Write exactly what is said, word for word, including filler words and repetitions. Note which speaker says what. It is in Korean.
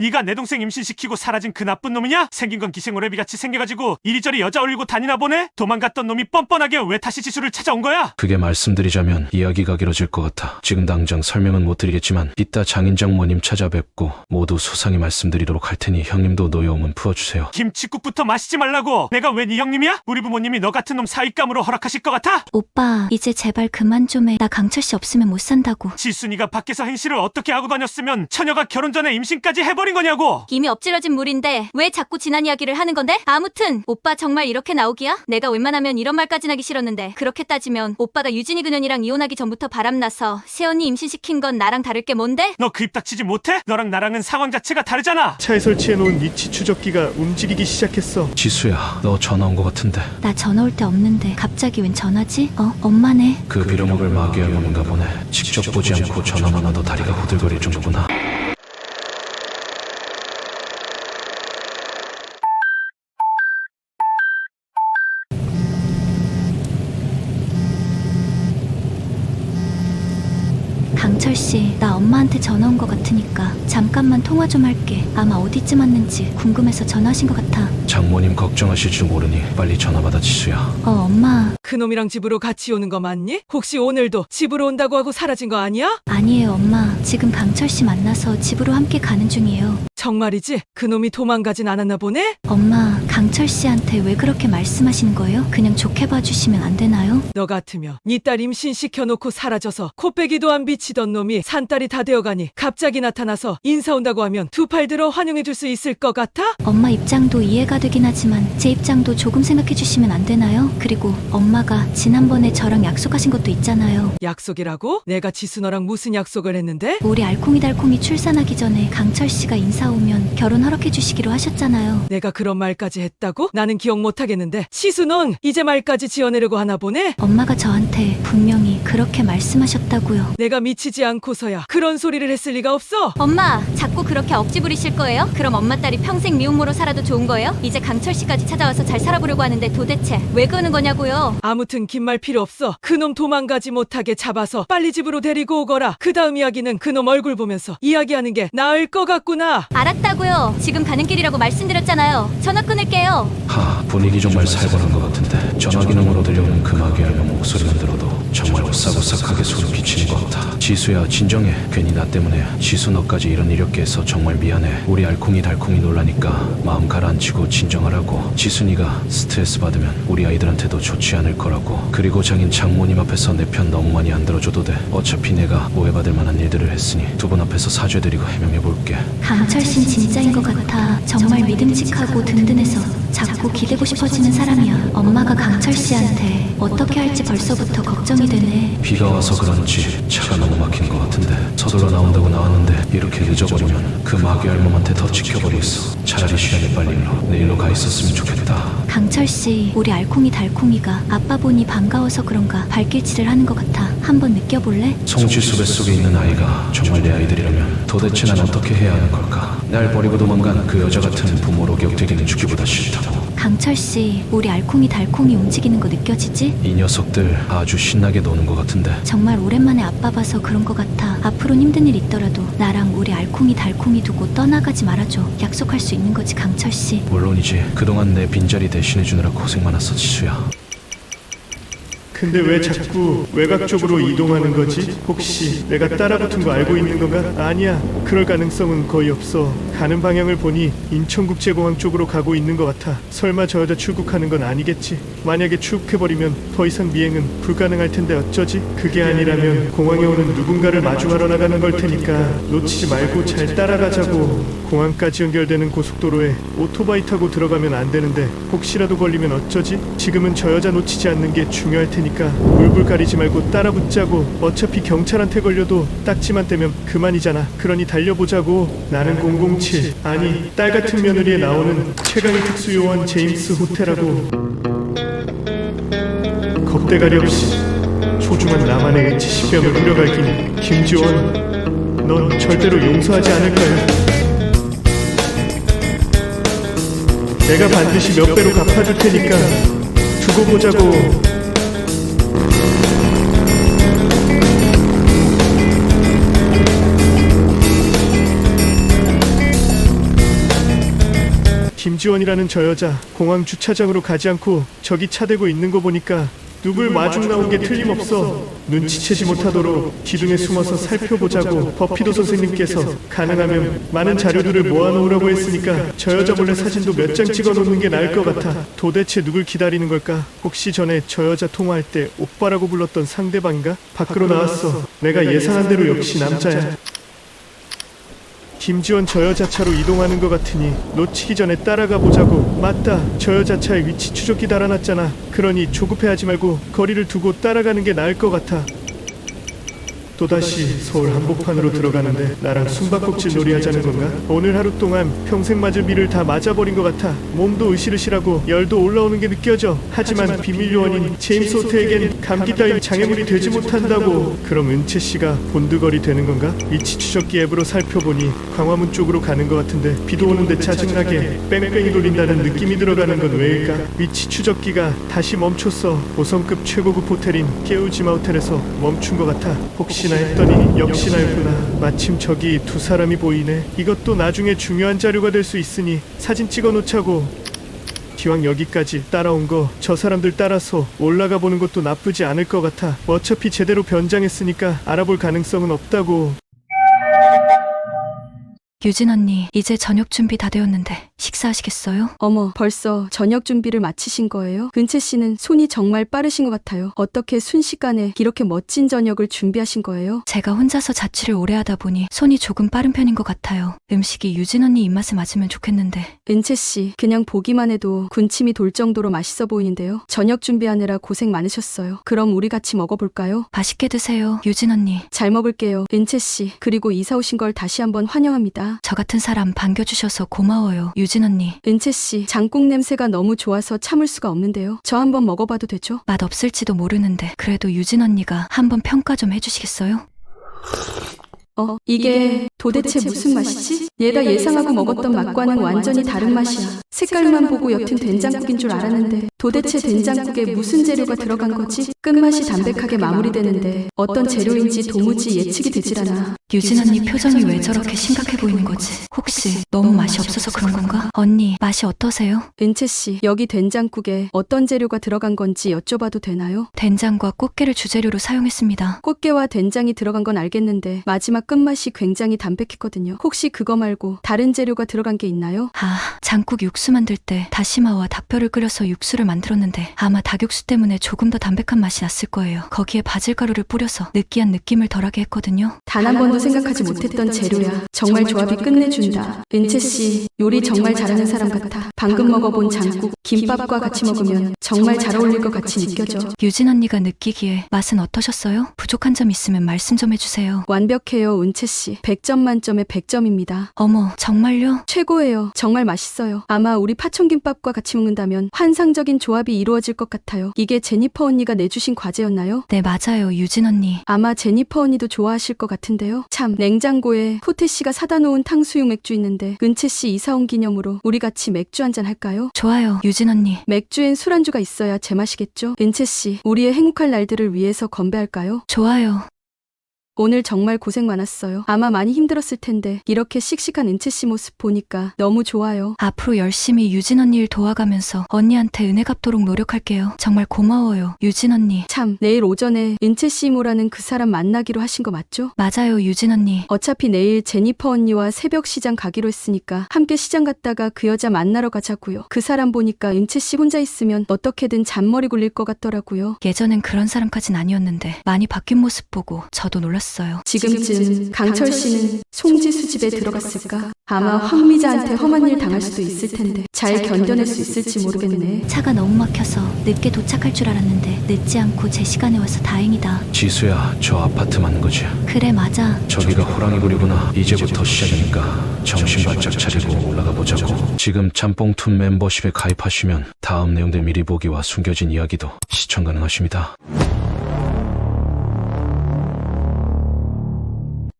Speaker 1: 네가 내 동생 임신시키고 사라진 그 나쁜 놈이냐? 생긴 건 기생오래비같이 생겨가지고 이리저리 여자 올리고 다니나 보네? 도망갔던 놈이 뻔뻔하게 왜 다시 지수를 찾아온 거야?
Speaker 2: 그게 말씀드리자면 이야기가 길어질 것 같아 지금 당장 설명은 못 드리겠지만 이따 장인장모님 찾아뵙고 모두 소상히 말씀드리도록 할 테니 형님도 노여움은 풀어주세요.
Speaker 1: 김칫국부터 마시지 말라고. 내가 왜 네 형님이야? 우리 부모님이 너 같은 놈 사윗감으로 허락하실 것 같아?
Speaker 3: 오빠, 이제 제발 그만 좀 해. 나 강철 씨 없으면 못 산다고.
Speaker 1: 지순이가 밖에서 행실을 어떻게 하고 다녔으면 처녀가 결혼 전에 임신까지 해버린 거냐고.
Speaker 3: 이미 엎질러진 물인데 왜 자꾸 지난 이야기를 하는 건데? 아무튼 오빠 정말 이렇게 나오기야? 내가 웬만하면 이런 말까진 하기 싫었는데 그렇게 따지면 오빠가 유진이 그년이랑 이혼하기 전부터 바람나서 새언니 임신시킨 건 나랑 다를 게 뭔데?
Speaker 1: 너 그 입 닥치지 못해? 너랑 나랑은 상황 자체가 다르잖아.
Speaker 4: 차에 설치해놓은 위치 추적기가 움직이기 시작했어.
Speaker 2: 지수야, 너 전화 온 것 같은데.
Speaker 3: 나 전화 올 때 없는데 갑자기 웬 전화지? 어? 엄마네.
Speaker 2: 그 빌어먹을 마귀의 놈인가 보네. 직접 보지 않고 전화만 와도 다리가 후들거릴 정도구나.
Speaker 3: 강철 씨, 나 엄마한테 전화 온 것 같으니까 잠깐만 통화 좀 할게. 아마 어디쯤 왔는지 궁금해서 전화하신 것 같아.
Speaker 2: 장모님 걱정하실 줄 모르니 빨리 전화 받아 지수야.
Speaker 3: 어, 엄마.
Speaker 5: 그놈이랑 집으로 같이 오는 거 맞니? 혹시 오늘도 집으로 온다고 하고 사라진 거 아니야?
Speaker 3: 아니에요, 엄마. 지금 강철 씨 만나서 집으로 함께 가는 중이에요.
Speaker 5: 정말이지? 그놈이 도망가진 않았나 보네?
Speaker 3: 엄마, 강철 씨한테 왜 그렇게 말씀하시는 거예요? 그냥 좋게 봐주시면 안 되나요?
Speaker 5: 너 같으면 네 딸 임신시켜놓고 사라져서 코빼기도 안 비치던 놈이 산딸이 다 되어가니 갑자기 나타나서 인사 온다고 하면 두 팔 들어 환영해줄 수 있을 것 같아?
Speaker 3: 엄마 입장도 이해가 되긴 하지만 제 입장도 조금 생각해 주시면 안 되나요? 그리고 엄마가 지난번에 저랑 약속하신 것도 있잖아요.
Speaker 5: 약속이라고? 내가 지수 너랑 무슨 약속을 했는데?
Speaker 3: 우리 알콩이달콩이 출산하기 전에 강철 씨가 인사 오면 결혼 허락해 주시기로 하셨잖아요.
Speaker 5: 내가 그런 말까지 했다고? 나는 기억 못하겠는데 지수 넌 이제 말까지 지어내려고 하나 보네?
Speaker 3: 엄마가 저한테 분명히 그렇게 말씀하셨다고요.
Speaker 5: 내가 미치지 않고서야 그런 소리를 했을 리가 없어.
Speaker 3: 엄마, 자꾸 그렇게 억지 부리실 거예요? 그럼 엄마 딸이 평생 미혼모로 살아도 좋은 거예요? 이제 강철 씨까지 찾아와서 잘 살아보려고 하는데 도대체 왜 그러는 거냐고요?
Speaker 5: 아무튼 긴 말 필요 없어. 그놈 도망가지 못하게 잡아서 빨리 집으로 데리고 오거라. 그 다음 이야기는 그놈 얼굴 보면서 이야기하는 게 나을 것 같구나.
Speaker 3: 알았다고요. 지금 가는 길이라고 말씀드렸잖아요. 전화 끊을게요.
Speaker 2: 하, 분위기 정말 살벌한 것 같은데 전화 기능으로 들려오는 그 마귀의 목소리만 들어도 정말 오싹오싹하게 소름 끼치는 것 같아. 지수야, 진정해. 괜히 나 때문에 지수 너까지 이런 이력게 해서 정말 미안해. 우리 알콩이 달콩이 놀라니까 마음 가라앉히고 진정하라고. 지순이가 스트레스 받으면 우리 아이들한테도 좋지 않을 거라고. 그리고 장인 장모님 앞에서 내 편 너무 많이 안 들어줘도 돼. 어차피 내가 오해받을 만한 일들을 했으니 두 분 앞에서 사죄드리고 해명해볼게.
Speaker 3: 강철 씨는 진짜인 것 같아. 정말 믿음직하고 든든해서 자꾸 기대고 싶어지는 사람이야. 엄마가 강철 씨한테 어떻게 할지 벌써부터 걱정이 되네.
Speaker 2: 비가 와서 그런지 차가 너무 막힌 것 같은데 서둘러 나온다고 나왔는데 이렇게 늦어버리면 그 마귀 할멈한테 더 지켜버리겠어. 차라리 시간이 빨리 일로 내일로 가 있었으면 좋겠다.
Speaker 3: 강철 씨, 우리 알콩이 달콩이가 아빠 보니 반가워서 그런가 발길질을 하는 것 같아. 한번 느껴볼래?
Speaker 2: 송지수 뱃속에 있는 아이가 정말 내 아이들이라면 도대체 난 어떻게 해야 하는 걸까? 날 버리고 도망간 그 여자 같은 부모로 기억되기는 죽기보다 싫다고.
Speaker 3: 강철 씨, 우리 알콩이 달콩이 움직이는 거 느껴지지?
Speaker 2: 이 녀석들 아주 신나게 노는 것 같은데.
Speaker 3: 정말 오랜만에 아빠 봐서 그런 것 같아. 앞으로 힘든 일 있더라도 나랑 우리 알콩이 달콩이 두고 떠나가지 말아줘. 약속할 수 있는 거지, 강철 씨.
Speaker 2: 물론이지. 그동안 내 빈자리 대신해주느라 고생 많았어, 지수야.
Speaker 4: 근데 왜 자꾸 외곽 쪽으로 이동하는 거지? 혹시 내가 따라붙은 거 알고 있는 건가? 아니야, 그럴 가능성은 거의 없어. 가는 방향을 보니 인천국제공항 쪽으로 가고 있는 것 같아. 설마 저 여자 출국하는 건 아니겠지? 만약에 출국해버리면 더 이상 미행은 불가능할 텐데 어쩌지? 그게 아니라면 공항에 오는 누군가를 마주하러 나가는 걸 테니까 놓치지 말고 잘 따라가자고. 공항까지 연결되는 고속도로에 오토바이 타고 들어가면 안 되는데 혹시라도 걸리면 어쩌지? 지금은 저 여자 놓치지 않는 게 중요할 테니까 물불 가리지 말고 따라붙자고. 어차피 경찰한테 걸려도 딱지만 떼면 그만이잖아. 그러니 달려보자고. 나는 공공칠, 아니 딸 같은 며느리에 나오는 최강의 특수요원 제임스 호테라고. 겁대가리 없이 소중한 나만의 칠십병을 후려갈기니 김지원, 넌 절대로 용서하지 않을 거야. 내가 반드시 몇 배로 갚아줄 테니까 두고 보자고. 김지원이라는 저 여자 공항 주차장으로 가지 않고 저기 차 대고 있는 거 보니까 누굴 마중 나온 게 틀림없어. 눈치채지 못하도록 기둥에 숨어서 살펴보자고 버피도 선생님께서 가능하면 많은 자료들을 모아놓으라고 했으니까 저 여자 몰래 사진도 몇 장 찍어놓는 게 나을 것 같아. 도대체 누굴 기다리는 걸까? 혹시 전에 저 여자 통화할 때 오빠라고 불렀던 상대방인가? 밖으로 나왔어. 내가 예상한 대로 역시 남자야. 김지원 저 여자 차로 이동하는 것 같으니 놓치기 전에 따라가 보자고. 맞다, 저 여자 차에 위치 추적기 달아놨잖아. 그러니 조급해하지 말고 거리를 두고 따라가는 게 나을 것 같아. 또다시 서울 한복판으로 들어가는데 나랑 숨바꼭질 놀이 하자는 건가? 오늘 하루 동안 평생 맞을 비를 다 맞아버린 것 같아. 몸도 으실으실하고 열도 올라오는 게 느껴져. 하지만 비밀 요원인 제임스 호트에겐 감기 따윈 장애물이 되지 못한다고. 그럼 은채 씨가 본드걸이 되는 건가? 위치 추적기 앱으로 살펴보니 광화문 쪽으로 가는 것 같은데 비도 오는데 짜증나게 뺑뺑이 돌린다는 느낌이 들어가는 건 왜일까? 위치 추적기가 다시 멈췄어. 오 성급 최고급 호텔인 깨우지마 호텔에서 멈춘 것 같아. 혹시 했더니 역시나였구나. 마침 저기 두 사람이 보이네. 이것도 나중에 중요한 자료가 될 수 있으니 사진 찍어 놓자고. 기왕 여기까지 따라온 거 저 사람들 따라서 올라가 보는 것도 나쁘지 않을 것 같아. 어차피 제대로 변장했으니까 알아볼 가능성은 없다고.
Speaker 3: 유진 언니, 이제 저녁 준비 다 되었는데 식사하시겠어요?
Speaker 6: 어머, 벌써 저녁 준비를 마치신 거예요? 은채 씨는 손이 정말 빠르신 것 같아요. 어떻게 순식간에 이렇게 멋진 저녁을 준비하신 거예요?
Speaker 3: 제가 혼자서 자취를 오래 하다 보니 손이 조금 빠른 편인 것 같아요. 음식이 유진 언니 입맛에 맞으면 좋겠는데.
Speaker 6: 은채 씨, 그냥 보기만 해도 군침이 돌 정도로 맛있어 보이는데요. 저녁 준비하느라 고생 많으셨어요. 그럼 우리 같이 먹어볼까요?
Speaker 3: 맛있게 드세요, 유진 언니.
Speaker 6: 잘 먹을게요, 은채 씨. 그리고 이사 오신 걸 다시 한번 환영합니다.
Speaker 3: 저 같은 사람 반겨주셔서 고마워요, 유진 언니.
Speaker 6: 은채 씨, 장국 냄새가 너무 좋아서 참을 수가 없는데요. 저 한번 먹어봐도 되죠?
Speaker 3: 맛 없을지도 모르는데 그래도 유진 언니가 한번 평가 좀 해주시겠어요?
Speaker 6: 어, 이게 도대체 무슨 맛이지? 얘가 예상하고 먹었던 맛과는 완전히 다른 맛이야. 색깔만 보고 옅은 된장국인 줄 알았는데 도대체 된장국에 무슨 재료가 들어간 거지? 끝맛이 담백하게 마무리되는데 어떤 재료인지 도무지 예측이 되질 않아.
Speaker 3: 유진 언니 표정이 왜 저렇게 심각해 보이는 거지? 혹시 너무 맛이 없어서 그런 건가? 언니, 맛이 어떠세요?
Speaker 6: 은채 씨, 여기 된장국에 어떤 재료가 들어간 건지 여쭤봐도 되나요?
Speaker 3: 된장과 꽃게를 주재료로 사용했습니다.
Speaker 6: 꽃게와 된장이 들어간 건 알겠는데 마지막 끝맛이 굉장히 담백했거든요. 혹시 그거 말고 다른 재료가 들어간 게 있나요?
Speaker 3: 아, 장국 육수 만들 때 다시마와 닭뼈를 끓여서 육수를 만들었는데 아마 닭육수 때문에 조금 더 담백한 맛이 났을 거예요. 거기에 바질가루를 뿌려서 느끼한 느낌을 덜하게 했거든요.
Speaker 6: 단 한 번도 생각하지 못했던 재료야. 정말 조합이 끝내준다. 은채 씨, 요리 정말 잘하는 사람 같아. 방금 먹어본 장국, 김밥과 같이 먹으면 정말 잘 어울릴 것 같이 느껴져.
Speaker 3: 유진 언니가 느끼기에 맛은 어떠셨어요? 부족한 점 있으면 말씀 좀 해주세요.
Speaker 6: 완벽해요, 은채 씨. 백 점 만점에 백 점입니다.
Speaker 3: 어머, 정말요?
Speaker 6: 최고예요. 정말 맛있어요. 아마 우리 파천김밥과 같이 먹는다면 환상적인 조합이 이루어질 것 같아요. 이게 제니퍼 언니가 내주신 과제였나요?
Speaker 3: 네, 맞아요, 유진 언니.
Speaker 6: 아마 제니퍼 언니도 좋아하실 것 같은데요. 참, 냉장고에 호태 씨가 사다 놓은 탕수육 맥주 있는데 은채 씨 이사 온 기념으로 우리 같이 맥주 한잔 할까요?
Speaker 3: 좋아요, 유진 언니.
Speaker 6: 맥주엔 술안주가 있어야 제맛이겠죠? 은채 씨, 우리의 행복할 날들을 위해서 건배할까요?
Speaker 3: 좋아요.
Speaker 6: 오늘 정말 고생 많았어요. 아마 많이 힘들었을 텐데 이렇게 씩씩한 은채 씨 모습 보니까 너무 좋아요.
Speaker 3: 앞으로 열심히 유진 언니 일 도와가면서 언니한테 은혜 갚도록 노력할게요. 정말 고마워요, 유진 언니.
Speaker 6: 참, 내일 오전에 은채 씨 이모라는 그 사람 만나기로 하신 거 맞죠?
Speaker 3: 맞아요, 유진 언니.
Speaker 6: 어차피 내일 제니퍼 언니와 새벽 시장 가기로 했으니까 함께 시장 갔다가 그 여자 만나러 가자고요. 그 사람 보니까 은채 씨 혼자 있으면 어떻게든 잔머리 굴릴 것 같더라고요.
Speaker 3: 예전엔 그런 사람까진 아니었는데 많이 바뀐 모습 보고 저도 놀랐어요.
Speaker 6: 지금쯤 강철 씨는 송지수 집에 들어갔을까? 아마 황미자한테 험한 일 당할 수도 있을 텐데 잘 견뎌낼 수 있을지 모르겠네.
Speaker 3: 차가 너무 막혀서 늦게 도착할 줄 알았는데 늦지 않고 제 시간에 와서 다행이다.
Speaker 2: 지수야, 저 아파트 맞는 거지?
Speaker 3: 그래, 맞아.
Speaker 2: 저기가 호랑이굴이구나. 이제부터 시작이니까 정신 바짝 차리고 올라가 보자고. 지금 짬뽕툰 멤버십에 가입하시면 다음 내용들 미리 보기와 숨겨진 이야기도 시청 가능하십니다.